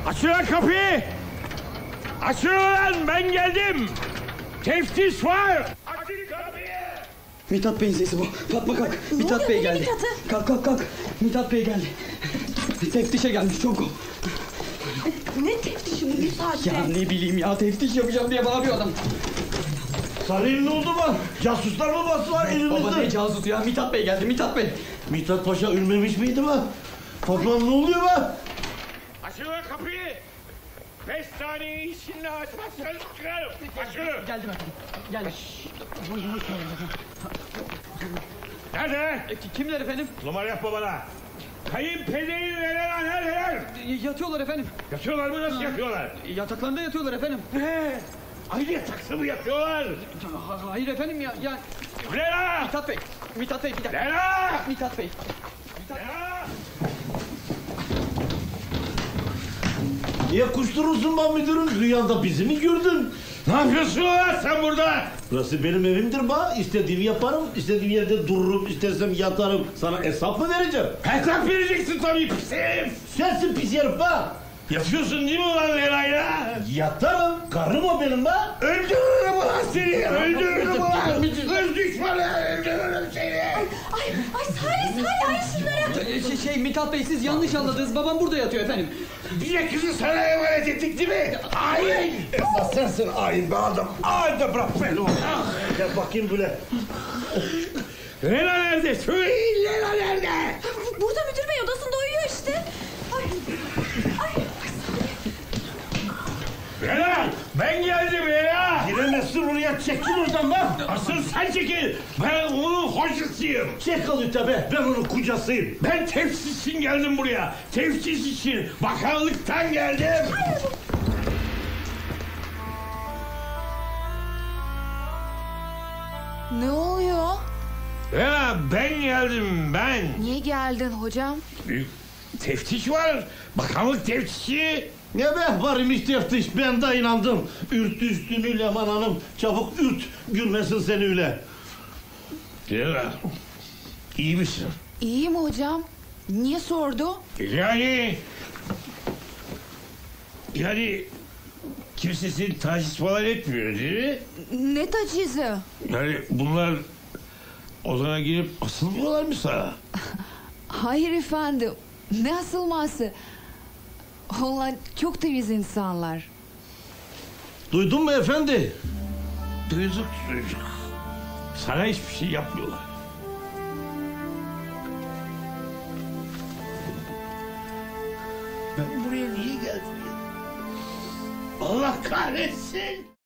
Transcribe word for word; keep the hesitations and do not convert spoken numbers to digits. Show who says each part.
Speaker 1: Açın lan kapıyı! Açın lan, ben geldim! Teftiş var! Açın kapıyı!
Speaker 2: Mithat Bey'in sesi bu. Fatma kalk. Mithat Bey geldi. Kalk kalk kalk. Mithat Bey geldi. Teftişe gelmiş çok.
Speaker 3: Ne teftişi bu bir saatte?
Speaker 2: Ya ne bileyim ya, teftiş yapacağım diye bağırıyor adam.
Speaker 4: Sarıyın ne oldu mu? Casuslar mı bastılar elimizde?
Speaker 2: Baba ne casus ya, Mithat Bey geldi, Mithat Bey.
Speaker 4: Mithat Paşa ölmemiş miydi mi? Fatma ne oluyor be?
Speaker 1: Açın lan kapıyı! Beş saniye içinde açmazsanız çıkarım! Açın!
Speaker 2: Geldim efendim, geldim.
Speaker 1: Nerede?
Speaker 2: E, kimler efendim?
Speaker 1: Numara yapma bana! Kayınpederin neler neler?
Speaker 2: E, yatıyorlar efendim.
Speaker 1: Yatıyorlar mı, nasıl yatıyorlar?
Speaker 2: E, yataklarında yatıyorlar efendim.
Speaker 1: Ne? Aynı yatakta mı yatıyorlar?
Speaker 2: Ha, hayır efendim ya, ya...
Speaker 1: Ne la?
Speaker 2: Mithat Bey, Mithat Bey bir dakika.
Speaker 1: Ne la?
Speaker 2: Mithat Bey.
Speaker 1: Ne la?
Speaker 4: Niye kuşturursun ben müdürüm? Rüyanda bizi mi gördün?
Speaker 1: Ne yapıyorsun lan sen burada?
Speaker 4: Burası benim evimdir ba. İstediğimi yaparım, istediğim yerde dururum, istersem yatarım. Sana hesap mı vereceğim?
Speaker 1: Hesap vereceksin tabii pis herif.
Speaker 4: Sensin pis herif ba.
Speaker 1: Yatıyorsun değil mi ulan Leyla'yla?
Speaker 4: Yatarım, karım o benim ba.
Speaker 1: Öldürürüm ulan seni! Öldürürüm ulan! Hız düşmanı! Öldürürüm seni!
Speaker 3: Ay, ay Salih, Salih ay şunlara.
Speaker 2: E, şey, şey Mithat Bey, siz yanlış anladınız. Babam burada yatıyor efendim.
Speaker 1: Bir kızı sana emanet ettik değil mi? Hain!
Speaker 4: Esas sensin hain be adam.
Speaker 1: Hadi bırak beni oğlum.
Speaker 4: Gel bakayım böyle.
Speaker 1: Leyla nerede? Söyleyin Leyla nerede?
Speaker 3: Burada müdür bey odasında uyuyor işte. Ay, ay, ay
Speaker 1: Leyla! Ben geldim Leyla!
Speaker 4: Giremezsin oraya, çekil oradan bak.
Speaker 1: Asıl sen çekil! Ben onun hocasıyım!
Speaker 4: Çek alıyor tabi, ben onun kocasıyım.
Speaker 1: Ben tefsir için geldim buraya! Tefsir için! Bakanlıktan geldim!
Speaker 5: Ne oluyor?
Speaker 1: Leyla ben geldim ben!
Speaker 5: Niye geldin hocam?
Speaker 1: Büyük teftiş var! Bakanlık teftişi!
Speaker 4: Ne be varmış teftiş, ben de inandım. Ürt üstünü Leman Hanım, çabuk ürt, gülmesin seni öyle.
Speaker 1: Leyla, iyi misin?
Speaker 5: İyiyim hocam. Niye sordu?
Speaker 1: Yani... Yani... Kimse seni taciz falan etmiyor değil mi?
Speaker 5: Ne tacizi?
Speaker 1: Yani bunlar... Odana girip asılmıyorlar mı sana?
Speaker 5: Hayır efendim. Ne asılması? Onlar çok temiz insanlar.
Speaker 4: Duydun mu efendi?
Speaker 1: Duyduk çocuk. Sana hiçbir şey yapmıyorlar. Ben buraya niye geldim ya? Allah kahretsin!